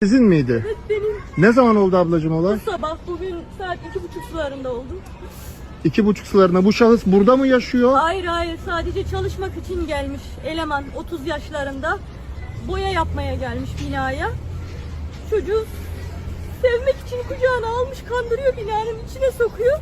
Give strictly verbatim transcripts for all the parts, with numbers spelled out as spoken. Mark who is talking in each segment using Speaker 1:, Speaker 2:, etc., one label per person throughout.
Speaker 1: Sizin miydi?
Speaker 2: Evet benim.
Speaker 1: Ne zaman oldu ablacığım olay?
Speaker 2: Bu sabah bugün saat iki buçuk sularında oldu.
Speaker 1: İki buçuk sularına. Bu şahıs burada mı yaşıyor?
Speaker 2: Hayır hayır sadece çalışmak için gelmiş eleman otuz yaşlarında. Boya yapmaya gelmiş binaya. Çocuğu sevmek için kucağına almış, kandırıyor, binanın içine sokuyor.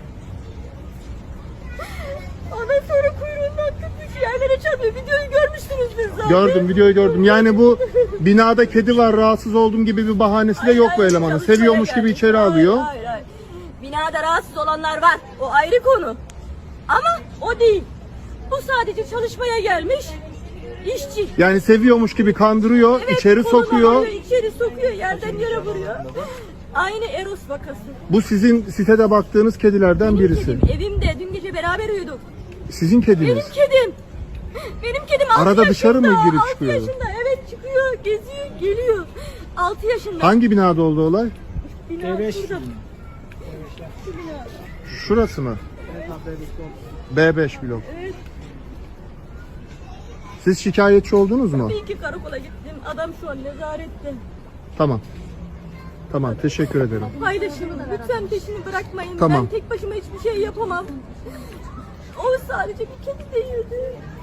Speaker 2: Ondan sonra kuyruğundan tutmuş yerlere çarpıyor. Videoyu görmüşsünüzdür zaten.
Speaker 1: Gördüm, videoyu gördüm. Yani bu binada kedi var, rahatsız oldum gibi bir bahanesi de
Speaker 2: Hayır,
Speaker 1: yok bu
Speaker 2: hayır,
Speaker 1: elemanın.
Speaker 2: çalışmaya
Speaker 1: Seviyormuş gibi
Speaker 2: gelmiş.
Speaker 1: içeri
Speaker 2: Hayır,
Speaker 1: alıyor.
Speaker 2: Hayır hayır. Binada rahatsız olanlar var. O ayrı konu. Ama o değil. Bu sadece çalışmaya gelmiş işçi.
Speaker 1: Yani seviyormuş gibi kandırıyor,
Speaker 2: Evet,
Speaker 1: içeri
Speaker 2: kolunu
Speaker 1: sokuyor.
Speaker 2: alıyor, içeri sokuyor, yerden yere vuruyor. Aynı Eros vakası.
Speaker 1: Bu sizin sitede baktığınız kedilerden
Speaker 2: Benim
Speaker 1: birisi.
Speaker 2: kedim evimde dün gece beraber uyuduk.
Speaker 1: Sizin kediniz.
Speaker 2: Benim kedim. Benim kedim altı
Speaker 1: Arada
Speaker 2: yaşında.
Speaker 1: dışarı mı girip
Speaker 2: altı
Speaker 1: çıkıyor?
Speaker 2: yaşında evet çıkıyor, geziyor, geliyor. altı yaşında.
Speaker 1: Hangi binada oldu olay?
Speaker 2: Bina
Speaker 3: B beş.
Speaker 2: şurada. Şu bina.
Speaker 1: Şurası mı? B beş blok.
Speaker 2: Evet.
Speaker 1: Siz şikayetçi oldunuz mu?
Speaker 2: Bir iki karakola gittim. Adam şu an nezarette.
Speaker 1: Tamam. Tamam, teşekkür ederim.
Speaker 2: Paylaşın. Lütfen peşini bırakmayın.
Speaker 1: Tamam.
Speaker 2: Ben tek başıma hiçbir şey yapamam. O sadece bir kedi değildi.